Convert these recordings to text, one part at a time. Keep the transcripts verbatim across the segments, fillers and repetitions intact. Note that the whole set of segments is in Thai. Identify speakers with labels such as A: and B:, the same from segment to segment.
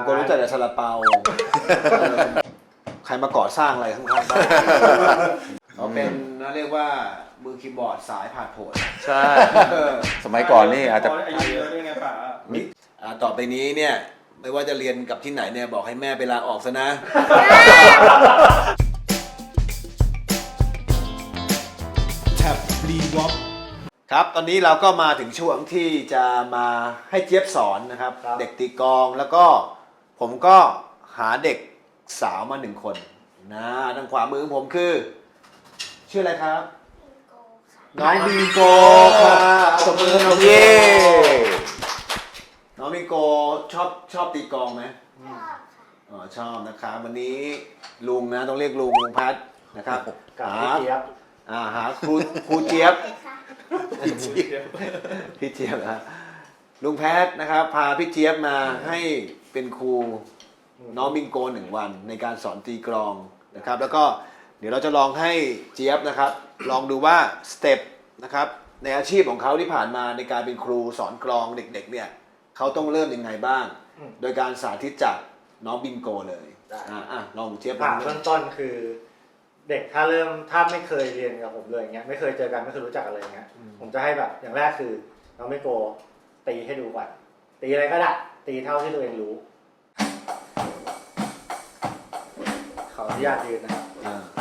A: ก็รู้จักแต่ซาลาเปาใครมาก่อสร้างอะไรข้างๆบ้านเขาเป็นนะเรียกว่ามือคีย์บอร์ดสายผ่านโผล่
B: ใช่ สมัยก่อนนี่อาจจะ
C: อายุเยอะด้วยไงป่ะ
A: ต่อไปนี้เนี่ยไม่ว่าจะเรียนกับที่ไหนเนี่ยบอกให้แม่ไปลาออกซะนะแท็บรีวอปครับตอนนี้เราก็มาถึงช่วงที่จะมาให้เจี๊ยบสอนนะครับเด็กตีกลองแล้วก็ผมก็หาเด็กสาวมาหนึ่งคนนะทางขวามือของผมคือชื่ออะไรครับน้องบิงโกค่ะตบมือน้องเย่น้องบิงโกชอบชอบตีกลองไหมชอบอ๋อชอบนะครับวันนี้ลุงนะต้องเรียกลุงลุงพัดนะครับหาอ่าหาครูครูเจี๊ยบพี่เจี๊ยบพี่เจี๊ยบนะลุงแพทนะครับพาพี่เจี๊ยบมาให้เป็นครูน้องบิงโกหนึ่งวันในการสอนตีกลองนะครับแล้วก็เดี๋ยวเราจะลองให้เจี๊ยบนะครับลองดูว่าสเต็ปนะครับในอาชีพของเขาที่ผ่านมาในการเป็นครูสอนกลองเด็กๆเนี่ยเขาต้องเริ่มยังไงบ้างโดยการสาธิตจากน้องบิงโกเลยอ่าอ่ะลองเจี๊ยบลอง
D: เบื้องต้นคือเด็กถ้าเริ่มถ้าไม่เคยเรียนกับผมเลยเงี้ยไม่เคยเจอกันไม่เคยรู้จักกันเลยเงี้ยผมจะให้แบบอย่างแรกคือน้องบิงโกตีให้ดูก่อนตีอะไรก็ได้ตีเท่าที่ตัวเองรู้ขออนุญาตยืนนะครับ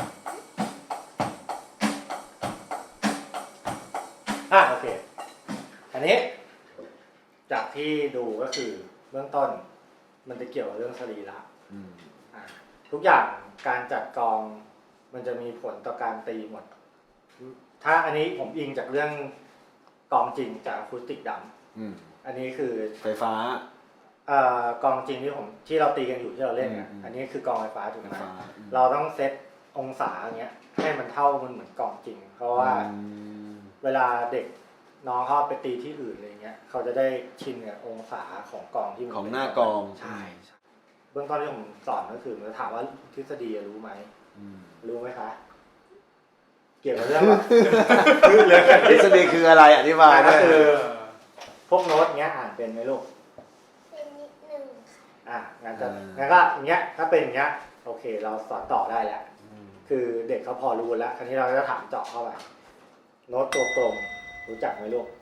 D: อ่าโอเคอันนี้จากที่ดูก็คือเบื้องต้นมันจะเกี่ยวกับเรื่องสรีระอ่าทุกอย่างการจัดกองมันจะมีผลต่อการตีหมดถ้าอันนี้ผมอิงจากเรื่องกองจริงจากอะคูสติกดัมอันนี้คือ
A: ไฟฟ้า
D: เอ่อกองจริงที่ผมที่เราตีกันอยู่ที่เราเล่นอ่ะอันนี้คือกองไฟฟ้าถูกไหมเราต้องเซตองศาอย่างเงี้ยให้มันเท่ามันเหมือนกองจริงเพราะว่าเวลาเด็กน้องเขาไปตีที่อื่นอะไรเงี้ยเขาจะได้ชินกับองศาของกองที่มัน
A: ของหน้ากอง
D: ใช่เบื้องต้นที่ผมสอนก็คือมันถามว่าทฤษฎีรู้ไหมรู้ไหมคะเกี่ยวกับเรื่อง
A: ทฤษฎีคืออะไรอธิบาย
D: ก็คือพวกโน้ตเงี้ยอ่านเป็นไหมลูก
E: เป็นนิดนึง
D: ค่ะอ่ะงั้นจะงั้นก็อย่างเงี้ยถ้าเป็นอย่างเงี้ยโอเคเราสอนต่อได้แล้วคือเด็กเขาพอรู้แล้วคราวนี้เราจะถามเจาะเข้าไปโน้ตตัวตรงรู้จักไหมลูก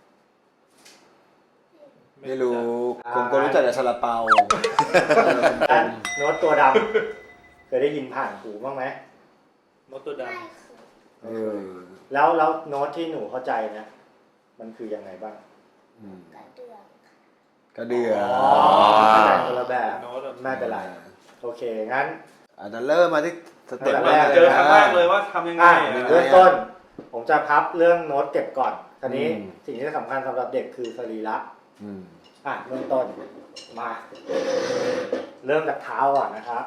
A: ไม่รู้ผมก็รู้จักแต่ซาลาเปา
D: โน้ตตัวดำเคยได้ยินผ่านหูบ้างไหม
C: โน้ตตัวดำ
A: เออ
D: แล้วแล้วโน้ตที่หนูเข้าใจนะมันคือยังไงบ้าง
E: กระเดื่อง
A: กระเดื่อง
D: อ๋อคนละแบบไม่เป็นไรโอเคงั้น
A: อาจจะเริ่มมาที่สเต็ป
C: แรกเจอครั้งแรกเลยว่าทำยังไง
D: เริ่มต้นผมจะพับเรื่องโน้ตเก็บก่อนทีนี้สิ่งที่สำคัญสำหรับเด็กคือสรีระอ่ะเริ่มต้นมาเริ่มจากเท้าก่อนนะครับ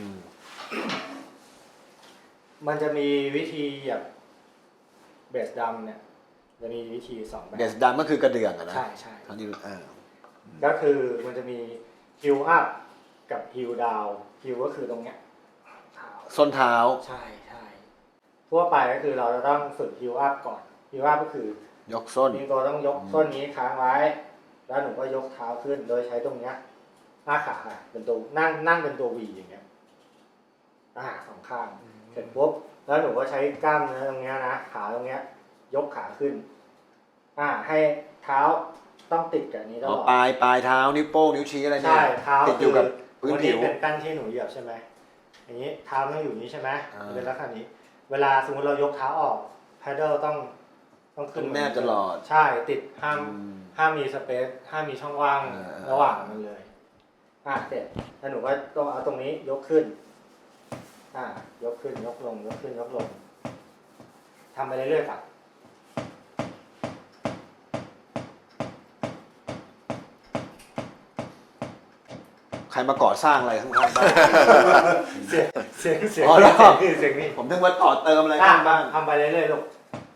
D: มันจะมีวิธีแบบเบสดัมเนี่ยจะมีวิธีสองแบบ
A: เบสดัมก็คือกระเดื่องอะนะ
D: ใช่ใช่
A: ทั้งที่อ่า
D: ก็คือมันจะมีฮิลอัพกับฮิลดาวฮิลก็คือตรงเนี้ย
A: ส้นเท้า
D: ใช่ใช่ทั่วไปก็คือเราจะต้องฝึกฮิลอัพก่อนฮิลอัพก็คือย
A: กส้น
D: มีตัวต้องยกส้นนี้ค้างไว้แล้วหนูก็ยกเท้าขึ้นโดยใช้ตรงเนี้ยหน้าขาเป็นตัวนั่งนั่งเป็นตัววีอย่างเงี้ยอ่าสองข้างเสร็จปุ๊บแล้วหนูก็ใช้กล้ามเนื้อตรงเนี้ยนะขาตรงเนี้ยยกขาขึ้นอ่าให้เท้าต้องติดกับนี้ตลอด
A: ปลายปลายเท้านิ้วโป้งนิ้วชี้อะไรเนี่ย
D: ใช่เท้า
A: ติดอยู่กับพื้นผิว
D: เป็นกั้นที่หนูเหยียบใช่ไหมอย่างนี้เท้าต้องอยู่นี้ใช่ไหมเป็นลักษณะนี้เวลาสมมติเรายกเท้าออกแพดเดิลต้องต้องขึ้น
A: แนบตลอด
D: ใช่ติดห้ามห้ามมีสเปซห้ามมีช่องว่างระหว่างมันเลยอ่าเสร็จแล้วหนูก็ต้องเอาตรงนี้ยกขึ้นอ่ายกขึ้นยกลงยกขึ้นยกลงทำไปเรื่อยๆครับ
A: ใครมาก่อสร้างอะไรข้างๆบ้าน
D: เสียงเสียงเสียง
A: เสียงนี่ผมถึงว่าต่อเติมอะไรข้างบ้าน
D: ทำไปเรื่อยๆลูก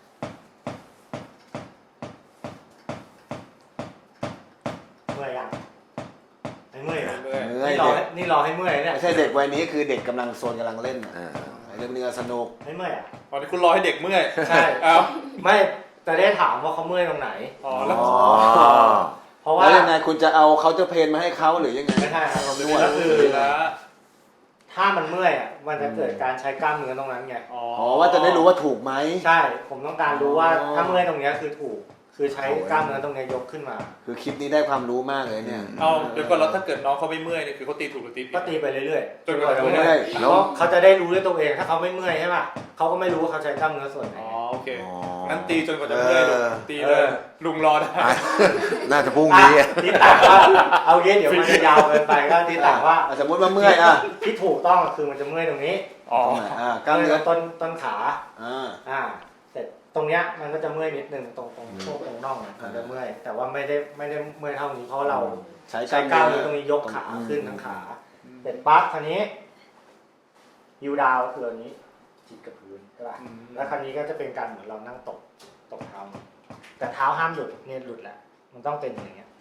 D: เมื่อยยังไม่เมื่อยนะนี่รอนี่รอให้เมื่อยเนี่ย
A: ไม่ใช่เด็กวัยนี้คือเด็กกำลังโซนกำลังเล่นเรื่องเนื้อสนุก
D: ไม่เมื่อยอ่ะ
C: ตอนนี้คุณรอให้เด็กเมื่อย
D: ใช่
C: เอา
D: ไม่จะได้ถามว่าเขาเมื่อยตรงไหน
C: อ๋อแล้ว
D: พเพราะว่า
A: แล้วยังไงคุณจะเอาเขาจะเพนมาให้เขาหรือยังไง
D: ไม่ใช่ครับ
C: น
D: น
C: ว
D: ว
C: ด
D: ดก็คือ
C: ละ
D: ถ้ามันเมื่อยอ่ะมันจะเกิดการใช้กล้ามเนื้อตรงนั้นไง
C: อ๋อ
A: อ๋อว่าจะได้รู้ว่าถูกไหม
D: ใช่ผมต้องการรู้ว่า
A: อ๋อ
D: ถ้าเมื่อยตรงเนี้ยคือถูก คือใช้
A: โอ้ย
D: กล้ามเนื้อตรงเนี้ยยกขึ้นมา
A: คือคลิปนี้ได้ความรู้มากเลยเนี่ย
C: เอาเดี๋ยวก่อนแล้วถ้าเกิดน้องเขาไม่เมื่อยเนี่ยคือเขาตีถูกหรือตีผิ
D: ก็
C: ด
D: ตีไปเรื่อยๆ
C: จนกว่าจะ
D: เมื่
C: เมื่
D: อ
C: อย ย
D: แล้วเขาจะได้รู้ด้วยตัวเองถ้าเขาไม่เมื่อยใช่ป่ะเขาก็ไม่รู้ว่าเขาใช้กล้ามเนื้อส่วนไหน
C: อ๋อโอเค
B: อ๋อ
C: งั้นตีจนกว่าจะเมื่อยลุง
A: เออ
C: ตีเลย
D: เออ
C: ลุงรอได้
B: อ่ะน่าจะพรุ่ง
D: อ่ะ
B: นี้
D: ที่ต่างว่าเอาเย็นเดี๋ยวมันจะยาวเกินไปก็ที่ต่างว่า
A: อ่ะสมมติว่าเมื่อยอ่ะ
D: ที่ถูกต้องคือมันจะเมื่อยตรงนี้
C: อ๋อ
A: ตรงไหนอ่ะกล้ามเนื้อ
D: ต้นต้นขา
A: อ่า
D: อ่าเสร็จตรงเนี้ยมันก็จะเมื่อยนิดนึงตรงตรง
A: อืม
D: ช่วงตรงน่องอะมันจะ
A: อ่า
D: เมื่อยแต่ว่าไม่ได้ไม่ได้เมื่อยเท่านี้เพราะเรา
A: ใช้ก
D: ใช้
A: ล้าม
D: กล้ามเนื้อตรงนี้ยกขาขึ้นทั้งขาเสร็จปั๊บคราวนี้ยูดาวคืออันนี้จิกกับพื้นใช่ป่ะ
C: อืม
D: แล้วคราวนี้ก็จะเป็นการเหมือนเรานั่งตกตกเท้าแต่เท้าห้ามหลุดเนี่ยหลุดแหละมันต้องเป็นอย่างเงี้ย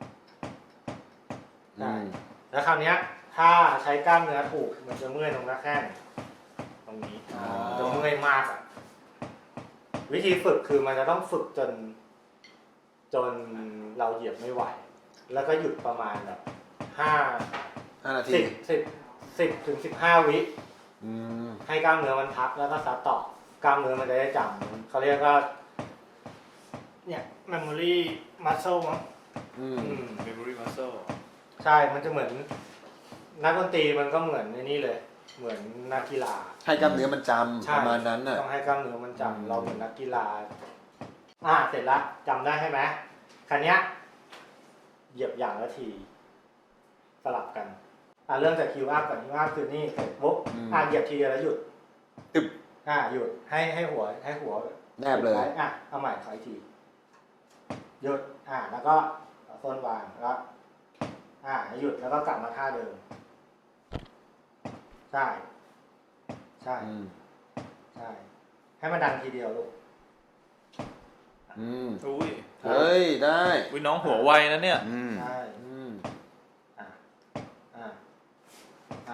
A: อืม
D: แล้วคราวเนี้ยถ้าใช้กล้ามเนื้อถูกมันจะเมื่อยตรงหน้าแข้งตรงนี้มันจะเมื่อยมากอ่ะวิธีฝึกคือมันจะต้องฝึกจน จนเราเหยียบไม่ไหว แล้วก็หยุดประมาณแบบห้า
A: ห้านาที
D: สิบสิบสิบถึงสิบห้าวิ
A: อืม
D: ให้กล้ามเนื้อมันพักแล้วก็ซัดต่อกล้ามเนื้อมันจะได้จำเขาเรียกว่าเนี่ย memory muscle มั้ง
A: อืม
D: อืม
C: memory muscle
D: ใช่มันจะเหมือนนักดนตรีมันก็เหมือนในนี่เลย เหมือนนักกีฬา
A: ให้กล้ามเนื้อมันจำ
D: ใช่
A: ประมาณนั้นน่ะ
D: ต้องให้กล้ามเนื้อมันจำ
A: อืม
D: เราเหมือนนักกีฬา อ่าเสร็จละจำได้ใช่ไหมคันนี้ยเหยียบอย่างละที สลับกัน อ่าเริ่มจากคิวอัพก่อนคิวอัพคือนี่เสร็จปุ๊บอ่าเหยียบทีเดียวแล้วหยุด
A: ตึบ
D: อ่าหยุดให้ให้หัวให้หัว
A: แนบเลย
D: อ่ะเอาใหม่ขออีกทีหยุดอ่าแล้วก็เอาส้นวางแล้วอ่าหยุดแล้วก็กลับมาท่าเดิมใช่ใช่
A: อืม
D: ใช่ให้มันดังทีเดียวลูก
A: อืม
C: อุ้ย
A: เฮ้ยได้
C: อุ้ยน้องหัวไวนะเนี่ย
B: อืม
D: ใช่
A: อืม
D: อ่าอ่าอ่า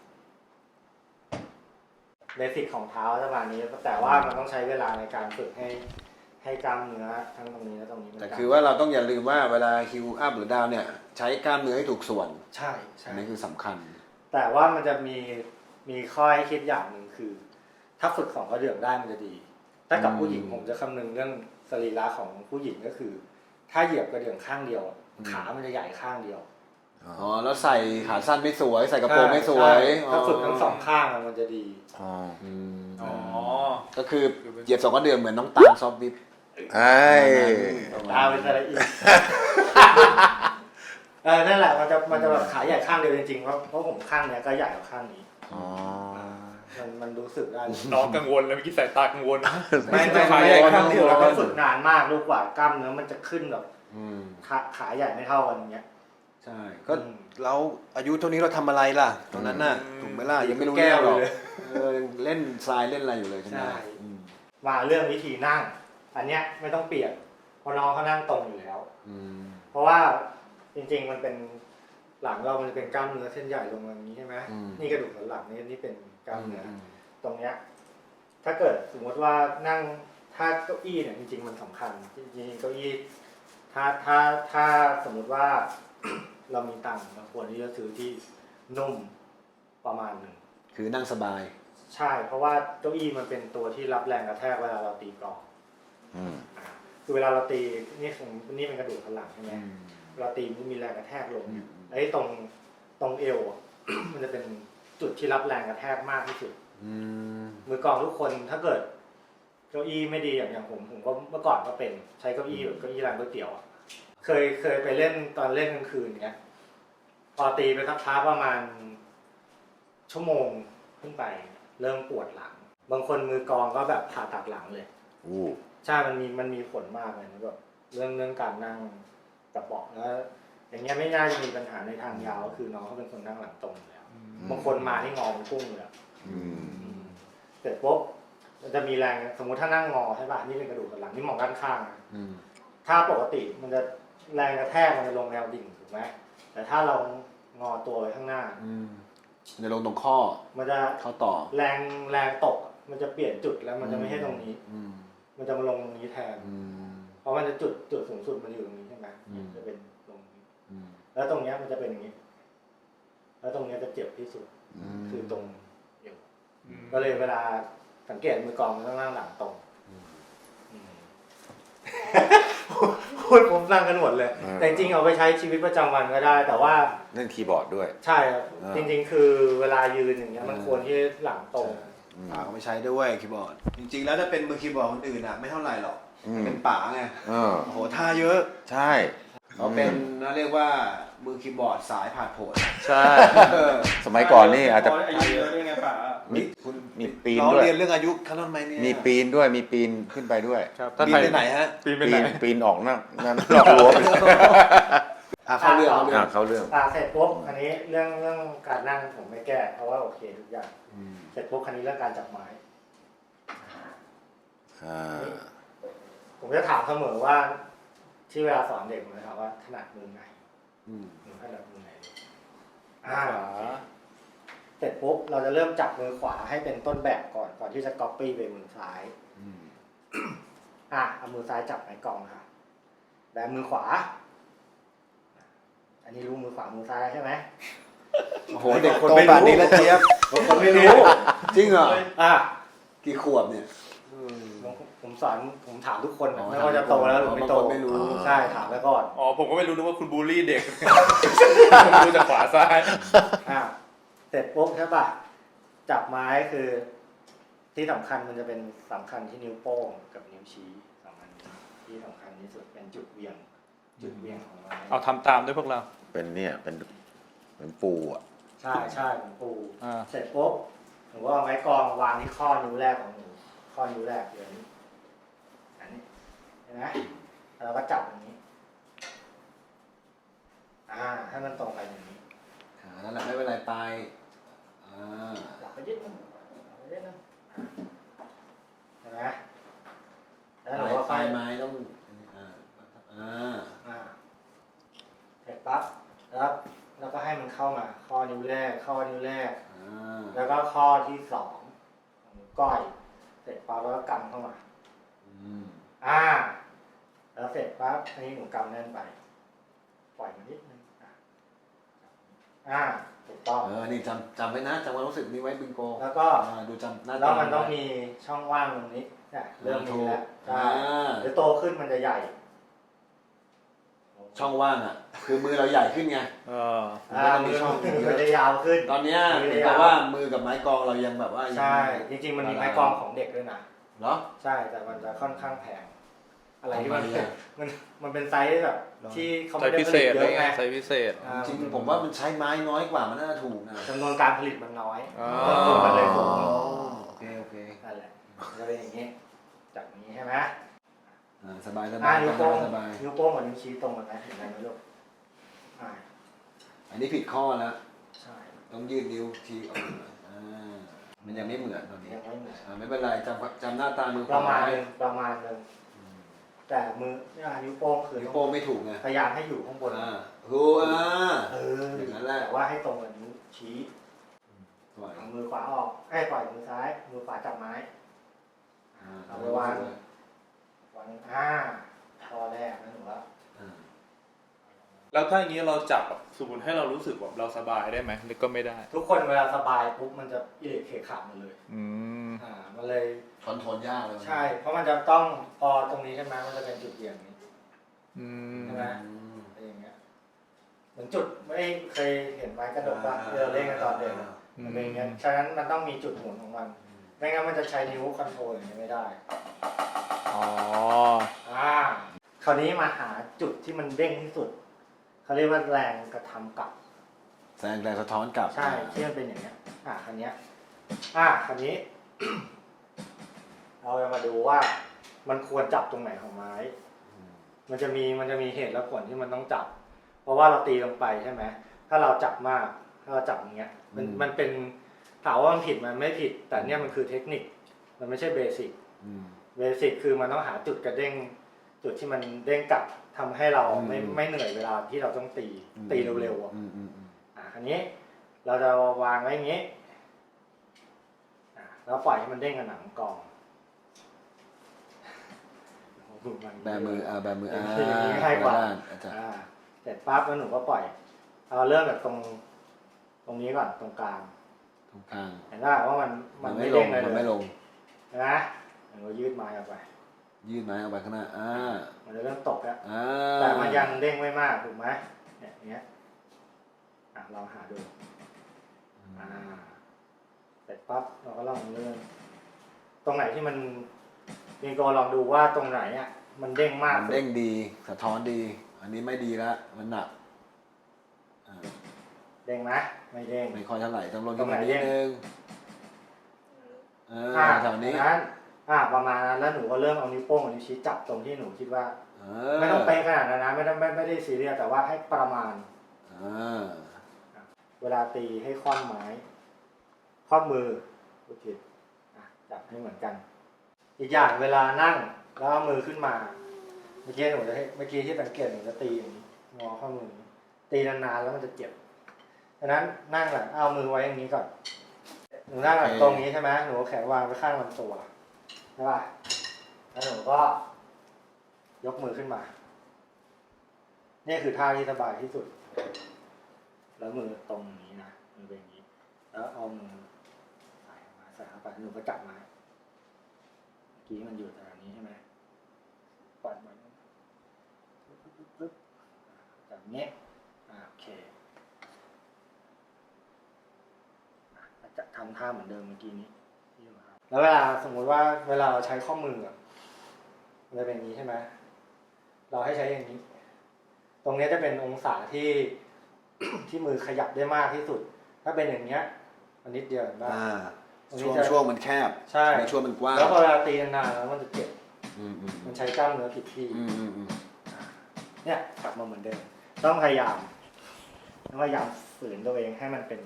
D: เบสิกของเท้าประมาณนี้แต่ว่ามันต้องใช้เวลาในการฝึกให้ให้กล้ามเนื้อทั้งตรงนี้และตรงนี้มัน
A: แต่
D: จำ
A: คือว่าเราต้องอย่าลืมว่าเวลาฮิวอัพหรือดาวเนี่ย ใช้กล้ามเนื้อให้ถูกส่วน
D: ใช่
A: อั
D: ใช่
A: นนี้คือสำคัญ
D: แต่ว่ามันจะมีมีข้อให้คิดอย่างหนึ่งคือ ถ้าฝึกสองกระเดื่องได้มันจะดี ถ้ากับ
A: อืม
D: ผู้หญิงผมจะคำนึงเรื่องสรีระของผู้หญิงก็คือ ถ้าเหยียบกระเดื่องข้างเดียวอะขามันจะใหญ่ข้างเดียว
A: อ๋อแล้วใส่ขาสั้นไม่สวย ใส่กระโปรงไม่สวย
D: ใช่ถ้าฝึกทั้งสองข้างอะมันจะดี
B: อ๋อ
A: อืม
C: อ๋อ
A: ก็คือเหยียบสองกระเดื่องเหมือนน้องตาลซอฟต์วิป
B: ไอ้
D: ดาวเป็นอะไรอีก เออนั่นแหละมันจะมันจะแบบขาใหญ่ข้างเดียวจริงๆเพราะเพราะผมข้างเนี้ยก็ใหญ่กว่าข้างนี้
B: อ๋อ
D: มันมันรู้สึกได้
C: น้องกังวลแล้วเมื่อกี้สายตากังวล
D: ไม่ไม่
C: ขา
D: ไม่
C: ใหญ่
D: ไม่
C: ข้างเดียว
D: เราต้องฝึกนานมากลูกกว่ากล้ามเนื้อมันจะขึ้นแบบ
A: อืม
D: ขาขาใหญ่ไม่เท่ากันอย่างเงี้ย
A: ใช่ ก็
D: อืม
A: เราอายุเท่านี้เราทำอะไรล่ะ ตรงนั้นน่ะ
C: อืม
A: ถูกไหมล่ะ ยังไม่รู้
D: แก้
A: เรื่อง
D: ว
A: หรอก
D: เลย
A: เออยังเล่นทรายเล่นอะไรอยู่เลยใช่ไหม
D: ใช่
A: อืม
D: มาเรื่องวิธีนั่ง อันเนี้ยไม่ต้องเปลี่ยนเพราะน้องเขานั่งตรงอยู่แล้ว
A: อืม
D: เพราะว่าจริงๆมันเป็นหลังเรามันจะเป็นกล้ามเนื้อเส้นใหญ่ลงมาอย่างนี้ใช่ไหม
A: อืม
D: นี่กระดูกสันหลังนี่นี่เป็นกล้ามเนื้ออ
A: ม
D: ตรงเนี้ยถ้าเกิดสมมติว่านั่งถ้าเก้าอี้เนี่ยจริงๆมันสำคัญจริงๆเก้าอี้ถ้าถ้าถ้าสมมุติว่า เรามีตังค์เราควรที่จะซื้อที่นุ่มประมาณหนึ่ง
A: คือนั่งสบาย
D: ใช่ เพราะว่าเก้าอี้มันเป็นตัวที่รับแรงกระแทกเวลาเราตีกลอง
B: อืม
D: อ่าคือเวลาเราตีนี่ของนี่เป็นกระดูกสันหลังใช่ไหม
A: อืม
D: เวลาตีมันมีแรงกระแทกลง
A: อืม
D: ไอ้ตรงตรงเอวอะ มันจะเป็นจุดที่รับแรงกระแทกมากที่สุด
A: อืม
D: มือกลองทุกคนถ้าเกิดเก้าอี้ไม่ดีอย่างอย่างผมผมก็เมื่อก่อนก็เป็นใช้เก้าอี้แบบเก้าอี้ร้านก๋วยเตี๋ยวอ่ะเคยเคยไปเล่นตอนเล่นกลางคืนเนี้ยพอตีไปสักพักประมาณชั่วโมงขึ้นไป เริ่มปวดหลัง บางคนมือกลองก็แบบผ่าตัดหลังเลย
B: อู้
D: ใช่มันมีมันมีผลมากเลยนะแบบเรื่องเรื่องการนั่งกับเบาะแล้ว อย่างเงี้ยไม่น่าจะมีปัญหาในทางยาวก็คือน้องเขาเป็นคนนั่งหลังตรงอยู่แล้วบางคนมาที่งอมันกุ้งเลยอะ
B: อืม
D: เสร็จปุ๊บมันจะมีแรงสมมุติถ้านั่งงอใช่ป่ะนี่เป็นกระดูกสันหลังนี่มองด้านข้างนะ
A: อืม
D: ถ้าปกติมันจะแรงกระแทกมันจะลงแนวดิ่งถูกไหมแต่ถ้าเรางอตัวไว้ข้างหน้า
A: อืมจะลงตรงข้อ
D: มันจะ
A: ข้อต่อ
D: แรงแรงตกมันจะเปลี่ยนจุดแล้วมันจะไม่ใช่ตรงนี้
A: อืม
D: มันจะมาลงตรงนี้แทน
A: อืม
D: เพราะมันจะจุดจุดสูงสุดมันอยู่ตรงนี้ใช่ไหม
A: อืม
D: จะเป็น
A: อืม
D: แล้วตรงเนี้ยมันจะเป็นอย่างนี้ แล้วตรงเนี้ยจะเจ็บที่สุด
B: อืม
D: คือตรงเอว
C: อืม
D: ก็เลยเวลาสังเกตมือกลองมันต้องนั่งหลังตรงอืม พูดผมนั่งกันหมดเลย แต่จริงๆเอาไปใช้ชีวิตประจำวันก็ได้ แต่ว่า
B: เล่นคีย์บอร์ดด้วย
D: ใช่ครับ
B: อ่า
D: จริงๆ คือเวลายืนอย่างเงี้ยมันควรที่หลังตรง
B: อืม
A: ป๋าก็ไม่ใช้ด้วยคีย์บอร์ด จริงๆ แล้วถ้าเป็นมือคีย์บอร์ดคนอื่นอ่ะไม่เท่าไหร่หรอก
B: อืม
A: เป็นป๋าไง
B: เออ
A: โอ้โหท่าเยอะ
B: ใช่
A: เขาเป็นนะเรียกว่ามือคีย์บอร์ดสายผ่านโผล่
C: ใช่
B: สมัยก่อนนี่อาจจะ
C: อายุเยอะด้วยไงป๋า
B: มี
A: คุณ
B: มีปีน
A: เรา
B: ด้วย
A: เรียนเรื่องอายุเขาทำไมเนี่ย
B: มีปีนด้วยมีปีนขึ้นไปด้วย
C: ครับ
A: ปีนไปไหนฮะ
C: ปีนไป
B: ปี
C: ไหน
B: นปีนออกนอกนั่นนอกรั้วไปเลย
A: อ่ะเข้าเรื่องเข้าเรื่อ
B: อ่าง เข้าเรื่อง
D: อ่าเสร็จปุ๊บอันนี้เรื่องเรื่องการนั่งผมไม่แก้เพราะว่าโอเคทุกอย่าง
A: อืม
D: เสร็จปุ๊บคันนี้เรื่องการจับไม้
B: อ่า
D: ผมจะถามเสมอว่าที่เวลาสอนเด็กผมจะถามว่าถนัดมือไหน
A: อืม
D: มือถนัดมือไหนอ่าเสร็จปุ๊บเราจะเริ่มจับมือขวาให้เป็นต้นแบบก่อนก่อนที่จะก๊อปปี้ไปมือซ้าย
A: อืม
D: อ่ะเอามือซ้ายจับไม้กลองค่ะแบมือขวา อันนี้รู้มือขวามือซ้ายใช่ไหม
A: โอ้โหเด็กโตป่านนี้แล้วเจี๊ยบ
D: คนไม่รู้
A: จริงเหรอ
D: อ่ะ
A: กี่ขวบเนี่ย
D: ผมผมสอนผมถามทุกคนนะ
A: อ๋อ
D: ไม่ว่าจะโตแล้วหรือไม่โต
A: บางคนไม่รู้
D: ใช่ถามไว้ก่อน
C: อ๋อผมก็ไม่รู้นึกว่าคุณบูลลี่เด็ก ผมดูจากขวาซ้าย
D: อ่ะเสร็จปุ๊บใช่ป่ะจับไม้คือ ที่สำคัญมันจะเป็นสำคัญที่นิ้วโป้งกับนิ้วชี้สองอันนี้ที่สำคัญที่สุดเป็นจุดเวียง จุดเวียงของไม้
C: เอาทำตามด้วยพวกเรา
B: เป็นเนี่ยเป็นเป็นปูอ่ะ
D: ใช่ใช่เหมือนปู
C: อ่า
D: เสร็จปุ๊บหนูก็เอาไม้กลองวางที่ข้อนิ้วแรกของหนูข้อนิ้วแรกเลยนี้อันนี้เห็นไหมแล้วเราก็จับอย่างนี้ อ่าให้มันตรงไปอย่างนี้
A: อ่านั่นแหละไม่เป็นไรไปอ่า
D: หลับไปยึดนึงหลับไปยึดนึงเห็นไหมแล้วเราก็
A: ไฟ
D: ค่อย
A: ไม้ต้องอ่าอ่า
D: อ่าเสร็จปั๊บแล้วแล้วก็ให้มันเข้ามา ข้อนิ้วแรก ข้อนิ้วแรก
A: อ่า
D: แล้วก็ข้อที่สองของนิ้วก้อย เสร็จปั๊บแล้วก็กำเข้ามา
A: อืม
D: อ่า แล้วเสร็จปั๊บอันนี้หนูกำแน่นไป ปล่อยมันนิดนึงอ่ะอ่าถูกต้อง
A: เออนี่จำจำไว้นะจำความรู้สึกนี้ไว้บิงโก
D: แล้วก็
A: อ่าดูจำหน้า
D: แล้วมัน
A: จำ
D: ต้อง
A: ไว้
D: มีช่องว่างตรงนี้เนี่ยเริ่มมีแล้ว
A: อ่า
D: ใช่หรือโตขึ้นมันจะใหญ่
A: ช่องว่างอ่ะ คือมือเราใหญ่ขึ้นไง
C: เออ
D: อ่ามือมันจะยาวขึ้น
A: ตอนเนี้ย
D: มือ
A: เห็น
D: ย
A: แต่ว่ามือกับไม้กลองเรายังแบบว่ายัง
D: ใช่ จริงๆมันมีไม้กลองของเด็กด้วยนะ
A: เหรอ
D: ใช่แต่มันจะค่อนข้างแพง อะไรที่มัน
A: ทำไมอะ
D: มันมันเป็นไซส์แบบ
A: หรอ
D: ที่เขา
C: ไซ
D: ไม่
C: ส์
D: ได้
C: พิ
D: ผ
C: เศ
D: ลิต
C: ษ
D: เย
C: เลย
D: อะ
C: ไง
D: ไง
C: ไซส์พิเศษ
D: อ่า
A: จริงๆผมว่ามันใช้ไม้น้อยกว่ามันน่าจะถูกนะ
D: จำนวนการผลิตมันน้อย
C: อ๋อ
D: ต้นทุนมันเลยสูง
A: โอเคโอเค
D: นั่นแหละจะเป็นอย่างนี้จากนี้ใช่ไหม
A: อ่าสบายสบา
D: อ่าย นิ้วโป้ง
A: สบาย
D: นิ้วโป้งกับนิ้วชี้ตรงกันไหมเห็นไหมลูกอ่า
A: อันนี้ผิดข้อแล้ว
D: ใช่
A: ต้องยืดนิ้วทีออกมาอ่ามันยังไม่เหมือนตอนนี้
D: ยังไม่เหมือน
A: อ่าไม่เป็นไรจำจำหน้าตามือ
D: ประมาณ
A: ไว้
D: หนึงประมาณหนึงแต่มือเนี่ยนิ้วโป้งคือ
A: นิ้วโป้งไม่ถูกไง
D: พยายามให้อยู่ข้างบน
A: อ่าถูกอ่า
D: เออ
A: อย่างนั้นแหละ
D: แต่ว่าให้ตรงกับนิ้วชี้
A: ปล่อย
D: เอามือขวาออกให้ปล่อยมือซ้าย มือขวาจับไม้
A: อ่า
D: เอาไปวางวางอ่าข้อแรกนั่นหนูว่า
A: อ่า
C: แล้วถ้าอย่างนี้เราจับแบบสมมติให้เรารู้สึกแบบเราสบายได้ไหมหรือก็ไม่ได้
D: ทุกคนเวลาสบายปุ๊บมันจะอิเล็กเคขาดหมดเลย
C: อืม
D: อ่ามันเลย
A: คอนโทรลยากเลย
D: ใช่ เพราะมันจะต้องพอตรงนี้ใช่ไหมมันจะเป็นจุดเบี่ยงนี้
C: อืม
D: ใช่ไหม
A: อืม
D: อะไรอย่างเงี้ยเหมือนจุดไม่เคยเห็นไม้กระดกป่ะที่เราเล่นกันตอนเด็กอะมันเป็นอย่างเงี้ยฉะนั้นมันต้องมีจุดหมุนของมันไม่งั้นมันจะใช้นิ้วคอนโทรลอย่างนี้ไม่ได้
C: อ๋อ
D: อ่าคราวนี้มาหาจุดที่มันเด้งที่สุดเขาเรียกว่าแรงกระทำกลับ
A: แสดงแรงสะท้อนกลับ
D: ใช่ที่มันเป็นอย่างเงี้ย อ่าคันเนี้ย อ่าคันนี้ เราจะมาดูว่ามันควรจับตรงไหนของไม้ มันจะมีมันจะมีเหตุและผลที่มันต้องจับ เพราะว่าเราตีลงไปใช่ไหมถ้าเราจับมากถ้าเราจับอย่างเงี้ย มันมันเป็นถามว่ามันผิดมันไม่ผิด แต่เนี่ยมันคือเทคนิค มันไม่ใช่เบสิก
A: อืม
D: เบสิกคือมันต้องหาจุดกระเด้ง จุดที่มันเด้งกลับทำให้เราไม่
A: อืม
D: ไม่เหนื่อยเวลาที่เราต้องตี ตีเร็วๆอ่ะ
A: อืมอืมอืม
D: อ่าอันนี้เราจะวางไว้อย่างนี้อ่าแล้วปล่อยให้มันเด้งกับหนังกอง
A: แบมืออ่าแบมืออ่า
D: อย่างนี้ง่ายกว่า
A: ด้นอาจารย์
D: อ่าเสร็จปั๊บแล้วหนูก็ปล่อยเราเริ่มจากตรงตรงนี้ก่อนตรงกลาง
A: ตรงกลาง
D: เห็นไหมว่ามัน
A: มั
D: มัน น
A: ไม่
D: ไม่
A: ล
D: เด้
A: ง
D: งเลย
A: มันไม่ลง
D: เห็นไหมหนูก็ยืดไม้ออกไป
A: ยืดไม้ออกไปข้างหน้าอ่า
D: มันจะเริ่มตกแล้ว
A: อ่า
D: แต่มันยังเด้งไม่มากถูกไหมเนี่ยอย่างเงี้ยอ่ะลองหาดูอ่าเสร็จปั๊บเราก็ลองเลื่อนตรงไหนที่มันมีโกลองดูว่าตรงไหนอ่ะมันเด้งมาก
A: มันเด้งดีสะท้อนดี อันนี้ไม่ดีละมันหนักอ่า
D: เด้งไหมไม่เด้ง
A: ไม่ค่อยเท่าไหร่ต้องลด
D: ตรงไหน
A: นิ
D: เด้
A: ด
D: ง
A: นึงเออ
D: อ่า
A: แถวนี้
D: นั้นอ่าประมาณนั้นแล้วหนูก็เริ่มเอานิ้วโป้งกับนิ้วชี้จับตรงที่หนูคิดว่า
A: เอ
D: ไม่ต้องเป๊ะขนาดนั้นนะไม่ต้องไม่ไม่ได้ซีเรียสแต่ว่าให้ประมาณ
A: อ่า
D: เวลาตีให้คว่ำไม้คว่ำมือโอเคอ่ะจับให้เหมือนกัน อีกอย่างเวลานั่งแล้วเอามือขึ้นมาเมื่อกี้หนูจะให้เมื่อกี้ที่สังเกตหนูจะตีอย่างนี้งอข้อมืออย่างนี้ตีนานๆแล้วมันจะเจ็บดังนั้นนั่งหลังเอามือไว้อย่างนี้ก่อนหนูนั่งหลังตรงนี้ใช่ไหมหนูเอาแขนวางไว้ข้างลำตัวใช่ป่ะแล้วหนูก็ยกมือขึ้นมานี่คือท่าที่สบายที่สุดแล้วมือตรงนี้นะมือเป็นอย่างนี้แล้วเอามือใส่มาใส่เข้าไปหนูก็จับไม้เมื่อกี้มันอยู่ตรงนี้ใช่ไหมปัดมันปึ๊บปึ๊บปึ๊บจับอย่างนี้อ่าโอเคอ่ะจะทำท่าเหมือนเดิมเมื่อกี้นี้ที่เราทำแล้วเวลาสมมุติว่าเวลาเราใช้ข้อมืออ่ะมันจะเป็นอย่างนี้ใช่ไหมเราให้ใช้อย่างนี้ ตรงนี้จะเป็นองศาที่ ที่มือขยับได้มากที่สุด ถ้าเป็นอย่างเนี้ยมันนิดเดียวเห็นป่ะ
A: อ่า
D: ตรงนี้
A: ช่วง
D: จะ
A: ช่วงมันแคบ
D: ใช่
A: ในช่วงมันกว้าง
D: แล้วพอเวลาตีนานๆแล้วมันจะเจ็บ
A: อืมอืม
D: มันใช้กล้ามเนื้อผิดที่
A: อืมอืมอืม
D: เนี่ยกลับมาเหมือนเดิมต้องพยายามต้องพยายามฝืนตัวเองให้มันเป็น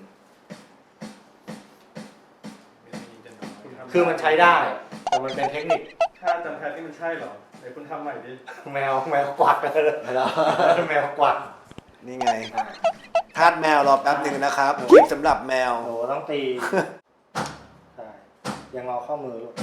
D: คือมันใช้ได้แต่มันเป็นเทคนิค
C: ถ้าจำแพทนี่มันใช่เหรอไหนคุณทำใหม่ดิ
D: แมวแมวกวักเลย
A: แล้ว
D: แมวกวัก
A: นี่ไงทาสแมวรอแป๊บหนึ่งนะครับคลิปสำหรับแมว
D: โหต้องตีใช่ยังงอข้อมือลูก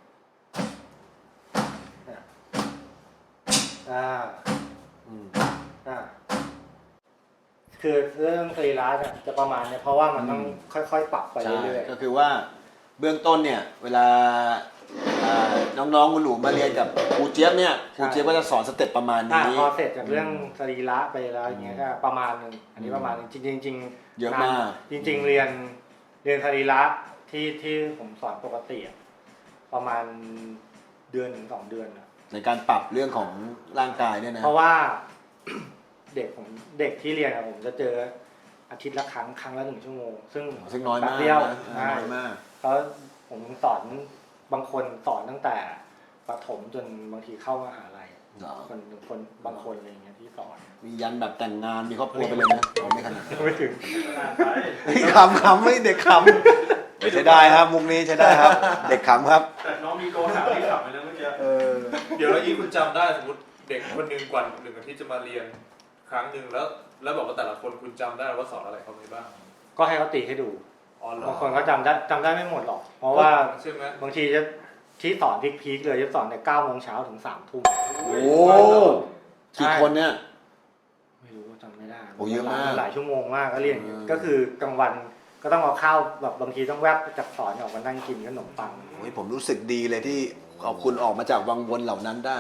D: เนี่ยอ่า
A: อืม
D: อ่าคือเรื่องสรีระเนี่ยจะประมาณเนี่ยเพราะว่ามันต้องค่อยๆปรับไป
A: ใช่
D: เรื่อย
A: ก็คือว่าเบื้องต้นเนี่ย เวลาอ่าน้องๆคุณหนูมาเรียนกับครูเจี๊ยบเนี่ยครูเจี๊ยบก็จะสอนสเต็ปประมาณ
D: ๆอ่า
A: นี้
D: พอเสร็จจากเรื่องสรีระไปแล้วอย่างเงี้ยก็ประมาณหนึงอันนี้ประมาณหนึงจริงๆจริงๆ
A: เยอะมาก
D: จริง ๆ เรียนเรียนสรีระที่ที่ผมสอนปกติอะประมาณเดือนถึงสองเดือนอะ
A: ในการปรับเรื่องของร่างกายเนี่ยนะ
D: เพราะว่า เด็กผมเด็กที่เรียนอะผมจะเจออาทิตย์ละครั้งครั้งละหนึ่งชั่วโมง ซึ่ง
A: ซึ่งน้อยมาก
D: แป๊บเดียว
A: นะ
D: ใช่
A: น้อยมาก
D: แล้วผมสอนบางคนสอนตั้งแต่ประถมจนบางทีเข้ามหาลัย
A: เหรอ
D: คนคนบางคนอะไรอย่างเงี้ยที่สอน
A: มียันแบบแต่งงานมีครอบครัวไปเลยนะอ๋อไม่ขนาดนั้น
D: ไม่ถึง
A: คำคำไม่เด็กคำใช้ได้ครับมุกนี้ใช้ได้ครับ เด็กขำครับ
C: แต่น้องมีโกหาที่ขับไปแล้วเมื่อกี้
A: เออ
C: เดี๋ยวแล้วยี่คุณจำได้สมมติเด็กคนหนึ่งกว่าหนึ่งอาทิตย์จะมาเรียนครั้งหนึ่งแล้ว แล้วบอกว่าแต่ละคนคุณจำได้ว่าสอนอะไรเขาไปบ้าง
D: ก็ให้เขาตีให้ดู
C: อ๋อเหรอบ
D: างคนก็จำได้จำได้ไม่หมดหรอก เพราะว่า
C: ใช่ไหม
D: บางทีจะที่สอนพีคๆเลยจะสอนในเก้าโมงเช้าถึงสามทุ่ม
A: โอ้กี่คนเนี่ย
D: ไม่รู้จำไม่ได้
A: โอ้เยอะมาก
D: หลายชั่วโมงมากก็เรียนอย่างเงี้ย
A: อืม
D: ก็คือกลางวันก็ต้องเอาข้าวแบบบางทีต้องแวบจากสอนออกมานั่งกินขนมปัง
A: โอ้ยผมรู้สึกดีเลยที่เอาคุณออกมาจากวังวนเหล่านั้นได้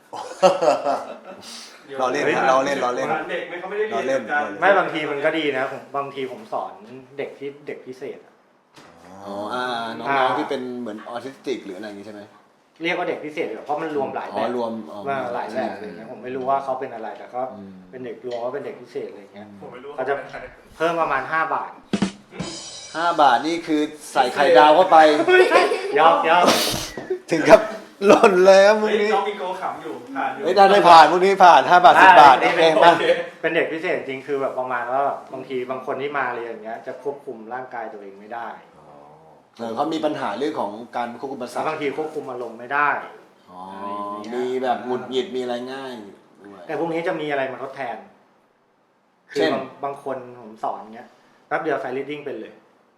A: เราเล่นครับเราเล่นเราเล่น
C: เด็กไม่เขาไม่ได้เรียน
A: เราเล่น
C: กัน
D: ไม่บางทีมันก็ดีนะผมบางทีผมสอนเด็กที่เด็กพิเศษอะ
A: อ๋ออ่าน้องๆที่เป็นเหมือนออทิสติกหรืออะไรอย่างงี้ใช่ไหม
D: เรียกว่าเด็กพิเศษดีกว่าเพราะมันรวมหลาย
A: อ๋
D: แบ
A: อบ รวมอ๋อ
D: มาหลายแบบเลยนะผมไม่รู้ว่าเขาเป็นอะไรแต่ก็
A: อืม
D: เป็นเด็กรวมว่าเป็นเด็กพิเศษอะไรอย่างเงี้ย
C: ผมไม่รู้
D: เขาจะ เพิ่มประมาณห้าบาท
A: ห้าบาทนี่คือใส่ไข่ดาวเข้าไป
D: ยอกยอก
A: ถึงกับหล่นเลยครับมุก
C: เฮ้ย
A: นี้
C: น้องมีโกขำอยู่ผ่านอยู่
A: เฮ้ยได้ได้ผ่านมุกนี้ผ่านห้าบาทสิบบาทโอเคมา
D: เป็นเด็กพิเศษจริงคือแบบประมาณว่าบางทีบางคนที่มาเรียนอย่างเงี้ยจะควบคุมร่างกายตัวเองไม่ได้
A: เออเขามีปัญหาเรื่องของการควบคุมประสา
D: แล้ว
A: ท
D: บางทีควบคุมอารมณ์ไม่ได้
A: อ๋อมีแบบหงุดหงิดมีอะไรง่ายด้วย
D: แต่พวกนี้จะมีอะไรมาทดแทน คื
A: เช่
D: อน บางบางคนผมสอนเงี้ยแป๊บเดียวไฟลิดดิ้งเป็นเลย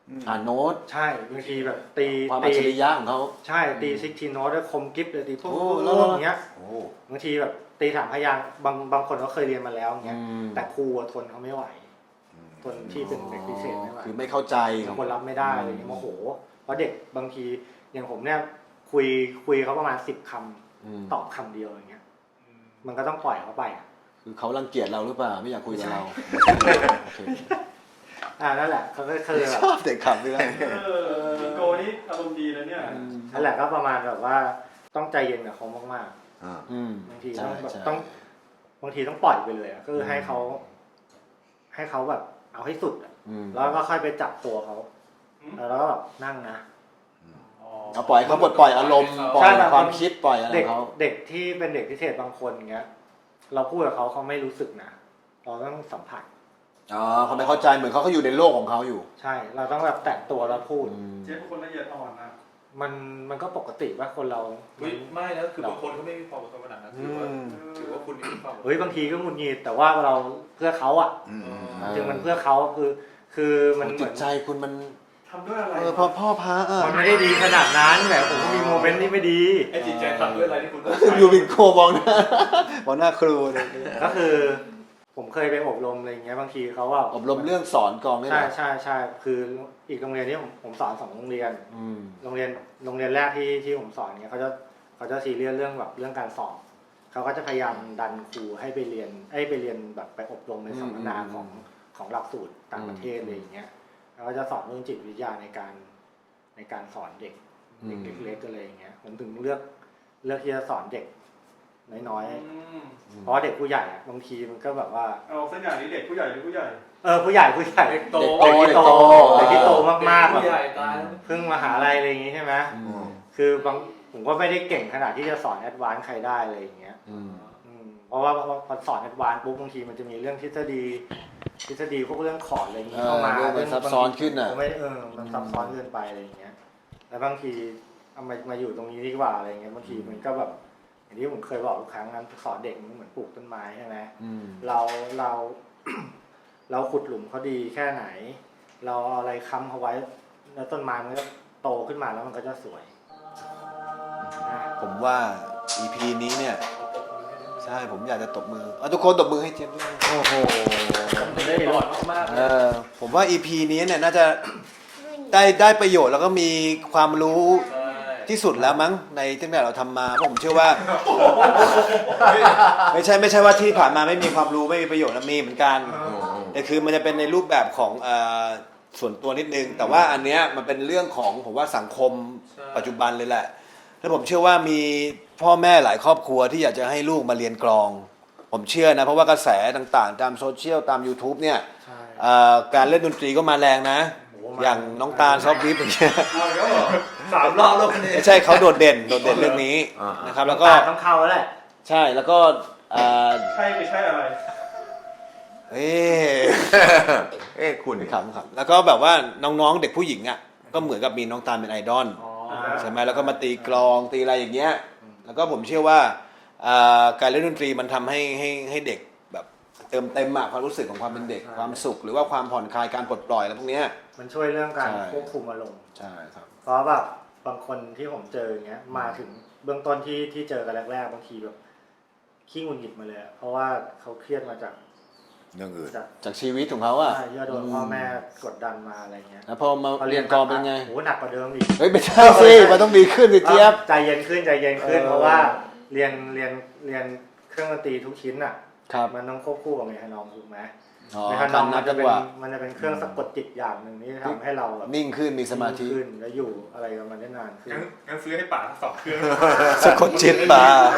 A: อ่านโน้ต
D: ใช่บางทีแบบตี
A: ความอัจ
D: ตี
A: ฉริยะของเขา
D: ใช่ตีซิกทีโน้ตแล้วคมกิฟเลยตีพวก
A: โอ้
D: พ
A: แล้ว
D: วกอย่างเงี้ย
A: โอ้
D: บางทีแบบตีถามพยางค์บางบางคนเขาเคยเรียนมาแล้วอย่างเงี้ย
A: อืม
D: แต่ครูอะทนเขาไม่ไหวทนที่เป็นเด็กพิเศษไม่ไหว
A: คือไม่เข้าใจ
D: บางคนรับไม่ได้อะไรอย่างเงี้ยโมโหเพราะเด็กบางทีอย่างผมเนี่ยคุยคุยเขาประมาณสิบคำ
A: อืม
D: ตอบคำเดียวอย่างเงี้ยมันก็ต้องปล่อยเขาไปอะ
A: คือเขารังเกียจเราหรือเปล่าไม่อยากคุยกับเราโอเค
D: อ่านั่นแหละเขาก็คือแบ
A: ช
D: บ
A: อบเด็กขับด้วย
F: เออพี่โกนี่อารมณ์ดีนะเนี่ย
D: นั่นแหละก็ประมาณแบบว่าต้องใจเย็นกับเขามาก
B: อ่า
A: อืม
D: ๆบางที
A: ใช่
D: ต้องแบบ
A: ใช่
D: ต้องบางทีต้องปล่อยไปเลยอะก็คือให้เขาให้เขาแบบเอาให้สุดอะ
A: อืม
D: แล้วก็ค่อยไปจับตัวเขาแล้วก็แบบนั่งนะ
A: เอาปล่อยเขาปลดปล่อยอารมณ์ปล่อ
D: ใช่
A: ย
D: แบบ
A: ความคิดปล่อยอะไร
D: เด็ก
A: เขา
D: เด็กที่เป็นเด็กพิเศษบางคนเงี้ย เราพูดกับเขาเขาไม่รู้สึกนะเราต้องสัมผัส
A: อ๋อเขาไม่เข้าใจเหมือนเขาเขาอยู่ในโลกของเขาอยู่
D: ใช่ เราต้องแบบแตะตัวแล้วพูด
A: อืม
F: เจ๊เป็นคนละเอียดอ่อนนะ
D: มันมันก็ปกติว่าคนเรา
C: เฮ้ยไม่นะคือบางคนเขาไม่มีความอดทนขนาดนั้นถือว่าถือว่าคุณมีความอดทน
D: เฮ้ยบางทีก็หงุดหงิดแต่ว่าเราเพื่อเขาอ่ะ
B: อืม
A: อ่า
D: จึงมันเพื่อเขาคือ คือมันเห
A: จิ
D: มื
A: ต
D: อน
A: ใจคุณมัน
F: ทำด้วยอะไร
A: เออพ่อพ่อพระอ่ะ
D: มันไม่ได้ดีขนาดนั้นแหมผมก็มีโมเมนต์ที่ไม่ดี
C: ไอ้จิตใจทำด้วยอะไรที่คุณต้อง
A: อยู่บินโคมองหน้า มองหน้าครูเลย
D: ก็คือ ผมเคยไปอบรมอะไรอย่างเงี้ยบางทีเขาว่า
A: อบรมเรื่องสอนกองนี่แห
D: ใช่
A: ละ
D: ใช่ใช่คืออีกโรงเรียนที่ผมผมสอนสองโรงเรียน
A: อืม
D: โรงเรียนโรงเรียนแรกที่ที่ผมสอนเนี่ยเขาจะเขาจะซีเรียสเรื่องแบบเรื่องการสอบเขาก็จะพยายามดันครูให้ไปเรียนให้ไปเรียนแบบไปอบรมในสัมมนาของของหลักสูตรต่างประเทศอะไรอย่างเงี้ยแล้วก็จะสอนเรื่องจิตวิทยาในการในการสอนเด็กเด็กเล็กๆอะไรอย่างเงี้ยผมถึงเลือกเลือกที่จะสอนเด็กน้อย
F: อืม
D: ๆเพราะเด็กผู้ใหญ่อะบางทีมันก็แบบว่า
F: เอาเส้นอย่างนี้เด็กผู้ใหญ่หรือผู้ใหญ่
D: เออผู้ใหญ่ผู้ใหญ่
C: เด็กโต
A: เด็กโต
D: เด็กที่โตมากๆแบบ
C: ผู้ใหญ่ตาย
D: เพิ่งมหาลัยอะไรอย่างงี้ใช่ไหม
A: อืม
D: คือบางผมก็ไม่ได้เก่งขนาดที่จะสอนแอดวานซ์ใครได้อะไรอย่างเงี้ย
A: อืม
D: อืมเพราะว่าพอพอสอนแอดวานซ์ปุ๊บบางทีมันจะมีเรื่องทฤษฎีทฤษฎีพวกเรื่องคอร์ดอะไรอย่าง
A: เอ
D: งี้
A: อ
D: เข้ามา
A: เรื่องมันซับซ้อนขึ้นน่ะ
D: ผมไม่เออมันซับซ้อนเกินไปอะไรอย่างเงี้ยแล้วบางทีเอามามาอยู่ตรงนี้ดีกว่าอะไรอย่างเงี้ยบางทีมันก็แบบอย่างที่ผมเคยบอกทุกครั้งนั้นสอนเด็กมันเหมือนปลูกต้นไม้ใช่ไหม
A: อืม
D: เราเรา เราขุดหลุมเขาดีแค่ไหน เราเอาอะไรค้ำเขาไว้แล้วต้นไม้มันก็โตขึ้นมาแล้วมันก็จะสวยนะ
A: ผมว่า อี พี นี้เนี่ย ใช่ผมอยากจะตบมือเอาทุกคนตบมือให้เจมส์ด้วยโอ้โห
C: ผมได้หลอดมากๆ
A: เออผมว่า อี พี นี้เนี่ยน่าจะได้ได้ประโยชน์แล้วก็มีความรู้
C: ใช่
A: ที่สุดแล้วมั้งในตั้งแต่เราทำมาเพราะผมเชื่อว่า ไม่ใช่ไม่ใช่ว่าที่ผ่านมาไม่มีความรู้ไม่มีประโยชน์นะมีเหมือนกันแต่คือมันจะเป็นในรูปแบบของเอ่อส่วนตัวนิดนึง แต่ว่าอันเนี้ยมันเป็นเรื่องของผมว่าสังคมปัจจุบันเลยแหละแล้วผมเชื่อว่ามีพ่อแม่หลายครอบครัวที่อยากจะให้ลูกมาเรียนกลอง ผมเชื่อนะเพราะว่ากระแสต่างๆ ตามโซเชียลตาม YouTube เนี่ย
D: ใช่
A: เอ่อการเล่นดนตรีก็มาแรงนะ
D: โอ้โหมา
A: อย่างน้องตาลซอฟต์วิฟอย่างเงี้ย
F: เอาแล้วเหรอ
C: สามรอบแล้วคนนี้
A: ไม่ใช่เขาโดดเด่นโดดเด่นเรื่องนี้นะครับแล้วก็
D: ตาต้องเข้าแล้วแหละ
A: ใช่แล้วก็เอ่อ
F: ใช่ไม่ใช่อะไร
A: เอ๊ะ
B: เอ้คุณ
A: ขำขำแล้วก็แบบว่าน้องๆเด็กผู้หญิงอ่ะก็เหมือนกับมีน้องตาลเป็นไอดอล
D: อ๋อ
A: ใช่ไหมแล้วก็มาตีกลองตีอะไรอย่างเงี้ยแล้วก็ผมเชื่อว่าเอ่อการเล่นดนตรีมันทำให้ให้ให้เด็กแบบเติมเต็มอะความรู้สึกของความเป็นเด็กความสุข หรือว่าความผ่อนคลายการปลดปล่อยอะไรพวกเนี้ย
D: มันช่วยเรื่องการ
A: ใช่
D: ควบคุมอารมณ์
A: ใช่ครับ
D: เพราะแบบบางคนที่ผมเจออย่างเงี้ยมาถึงเบื้องต้นที่ที่เจอกันแรกๆบางทีแบบขี้หงุดหงิดมาเลยอะเพราะว่าเขาเครียดมาจาก
B: เรื่องอื่น
D: จาก
A: จากชีวิตของเขาอะ
D: ใช่ที่ว่าโดนพ่อแม่กดดันมาอะไรเงี้ย
A: แล้วพอมาเรียนกลองเป็นไง
D: โหหนักกว่าเดิมอีก
A: เฮ้ยไม่ใช่สิมันต้องดีขึ้นสิเจี๊ยบ
D: ใจเย็นขึ้นใจเย็นขึ้น
A: เออ
D: เพราะว่าเรียนเรียนเรียนเครื่องดนตรีทุกชิ้นอ่ะ
A: ครับ
D: มันต้องควบคู่กับเมทานอมถูกไหม
A: อ๋อ
D: เมทานอม
A: นั
D: มั
A: บ
D: น
A: จั
D: จะ
A: ง
D: เป็น
A: หวะ
D: มันจะเป็นเครื่องสะกดจิตอย่างหนึ่งที่ทำให้เราแบบ
A: นิ่งขึ้นมีสมาธิ
D: นิ่งขึ้นแล้วอยู่อะไรกับมันได้นานขึ้น
C: งั้นงั้นซื้อให้ป๋าสองเครื่อง
A: สะกดจิตมา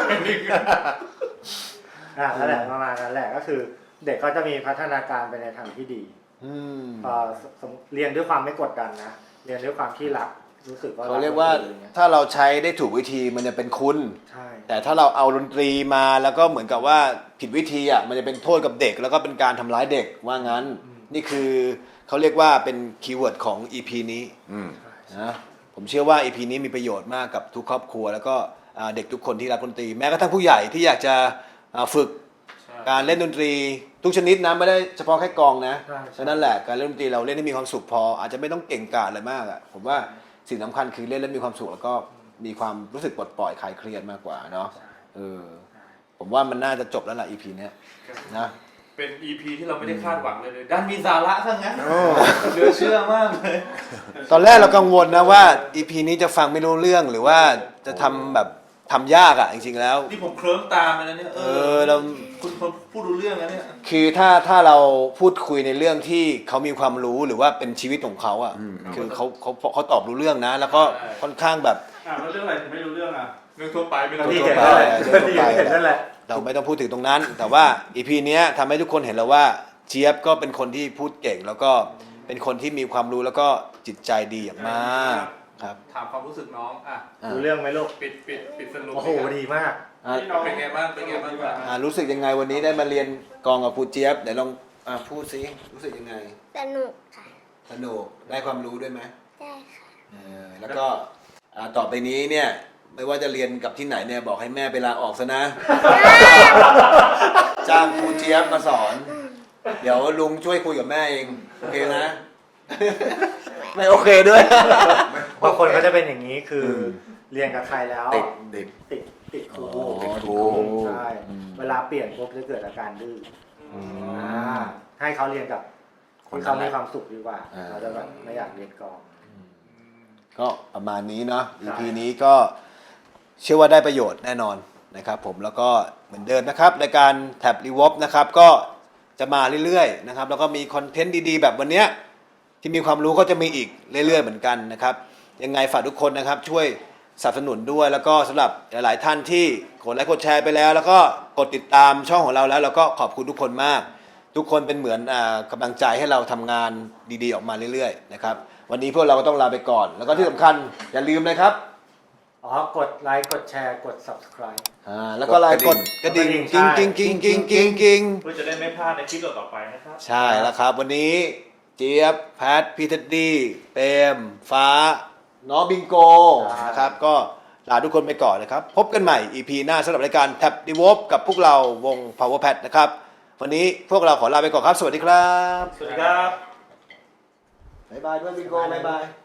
D: อ่านั่นแหละประมาณนั้นแหละก็คือ เด็กก็จะมีพัฒนาการไปในทางที่ดี
A: อืม
D: พอสมเรียนด้วยความไม่กดดันนะเรียนด้วยความที่รักรู้สึกว่า
A: เขาเรียกว่า
D: ดนตอ
A: ถ้าเราใช้ได้ถูกวิธีมันจะเป็นคุณ
D: ใช่
A: แต่ถ้าเราเอาดนตรีมาแล้วก็เหมือนกับว่าผิดวิธีอ่ะมันจะเป็นโทษกับเด็กแล้วก็เป็นการทำร้ายเด็กว่างั้น นี่คือเขาเรียกว่าเป็นคีย์เวิร์ดของ อี พี นี้
B: อืม
A: นะผมเชื่อว่า อี พี นี้มีประโยชน์มากกับทุกครอบครัว แล้วก็อ่าเด็กทุกคนที่รักดนตรีแม้กระทั่งผู้ใหญ่ที่อยากจะอ่าฝึก
C: ใช่
A: การเล่นดนตรีทุกชนิดนะไม่ได้เฉพาะแค่กลองนะ
D: ใช่ใช่
A: ฉะนั้นแหละการเล่นดนตรีเราเล่นให้มีความสุขพอ อาจจะไม่ต้องเก่งกาจอะไรมากอ่ะผมว่าสิ่งสำคัญคือเล่นแล้วมีความสุขแล้วก็มีความรู้สึกปลดปล่อยคลายเครียดมากกว่าเนาะเออผมว่ามันน่าจะจบแล้วล่ะ อี พี เนี้ยนะ
C: เป็น อี พี ที่เราไม่ได้คาดหวังเลยเลยด้านมีสาระซะงั้นเหลือเชื่อมากเลย
A: ตอนแรกเรากังวลนะว่า อี พี นี้จะฟังไม่รู้เรื่องหรือว่าจะทำแบบทำยากอ่ะจริงๆแล้ว
C: นี่ผมเคลิ้มตามไปแล้วเนี่ยเอ
A: เอ
C: อ
A: อเรา
C: คุณคนพูดรู้เรื่องแล้วเนี่ย
A: คือถ้าถ้าเราพูดคุยในเรื่องที่เขามีความรู้หรือว่าเป็นชีวิตของเขาอ่ะคือเขาเขาเขาตอบรู้เรื่องนะ แล้วก็ค่อนข้างแบบ
F: อ่าแล้วเรื่องอะไรถึงไม่รู้เรื่องอ่ะ
C: เรื่องทั่วไปไม่
D: ที่
C: รู้
D: เห็น
C: ทั่ว
D: นั่น
C: ไป
D: แหละที่เห็นนั่นแหละ
A: เราไม่ต้องพูดถึงตรงนั้น แต่ว่า อี พี เนี้ยทำให้ทุกคนเห็นแล้วว่าเจี๊ยบก็เป็นคนที่พูดเก่ง แล้วก็เป็นคนที่มีความรู้แล้วก็จิตใจดีอย่างมากครับ
C: ถามความรู้สึกน้องอ่ะ
A: อ่ะ
D: รู้เรื่องไหมลูก
C: ปิดปิดปิดสรุป
D: โอ้โหดีมาก
A: อ่ะ
F: ที่น้อง
C: เป็นไงบ้างเป็นไงบ้างครับ
A: อ่ะรู้สึกยังไงวันนี้ได้มาเรียนกลองกับครูเจี๊ยบเดี๋ยวลองอ่ะพูดสิรู้สึกยังไง
E: สนุกค่ะ
A: สนุกได้ความรู้ด้วยไหม
E: ได้ค่ะ
A: เออแล้วก็อ่าต่อไปนี้เนี่ยไม่ว่าจะเรียนกับที่ไหนเนี่ยบอกให้แม่ไปลาออกซะนะ จ้างครูเจี๊ยบมาสอน เดี๋ยวลุงช่วยคุยกับแม่เองโอเคนะ ไม่โอเคด้วย
D: บางคนก็จะเป็นอย่างนี้คืออ
A: ม
D: เรียนกับใครแล้ว
B: ติดติด
D: ติดติดครู
A: อ๋อ
B: ติดครู
D: ใช่
A: อืม
D: เวลาเปลี่ยนปุ๊บจะเกิดอาการดื้อ
A: อื
D: อ
A: ม
D: อ่าให้เขาเรียนกับคนเขามีความสุขดีกว่า
A: อ่า
D: เขาจะแบบไม่อยากเรียนกลอง
A: ก็ประมาณนี้เนาะ อี พี
D: ใช่
A: นี้ก็เชื่อว่าได้ประโยชน์แน่นอนนะครับผมแล้วก็เหมือนเดิมนะครับรายการแท็บรีวอปนะครับก็จะมาเรื่อยๆนะครับแล้วก็มีคอนเทนต์ดีๆ แบบวันเนี้ยที่มีความรู้ก็จะมีอีกเรื่อยๆเหมือนกันนะครับยังไงฝากทุกคนนะครับช่วยสนับสนุนด้วยแล้วก็สำหรับหลายๆท่านที่กดไลค์กดแชร์ไปแล้ว แล้วก็กดติดตามช่องของเราแล้วเราก็ขอบคุณทุกคนมาก ทุกคนเป็นเหมือนอ่ากำลังใจให้เราทำงานดีๆออกมาเรื่อยๆนะครับวันนี้พวกเราก็ต้องลาไปก่อน แล้วก็ที่สำคัญอย่าลืมนะครับ
D: อ๋อกดไลค์กดแชร์กด subscribe
A: อ่าแล้วก็ไลน์กดกระดิ่ง
D: กดกระดิ่
A: กิ้ง
D: ง
A: กิ้งกิ้งกิ้งกิ้งกิ้ง
C: เพื่อจะได้ไม่พลาดในคลิปต่อๆไปนะครับ
A: ใช่แล้วครับ วันนี้เจี๊ยบแพทพี่เท็ดดี้เปรมฟ้า น้องบิงโกนะครับก็ลาทุกคนไปก่อนนะครับ พบกันใหม่ อี พี หน้าสำหรับรายการแท็บดีวอปกับพวกเราวง Power Pad นะครับ วันนี้พวกเราขอลาไปก่อนครับ สวัสดีครับ
C: สวัสดีครับ
A: บ๊ายบายด้วยบิงโกบ๊ายบาย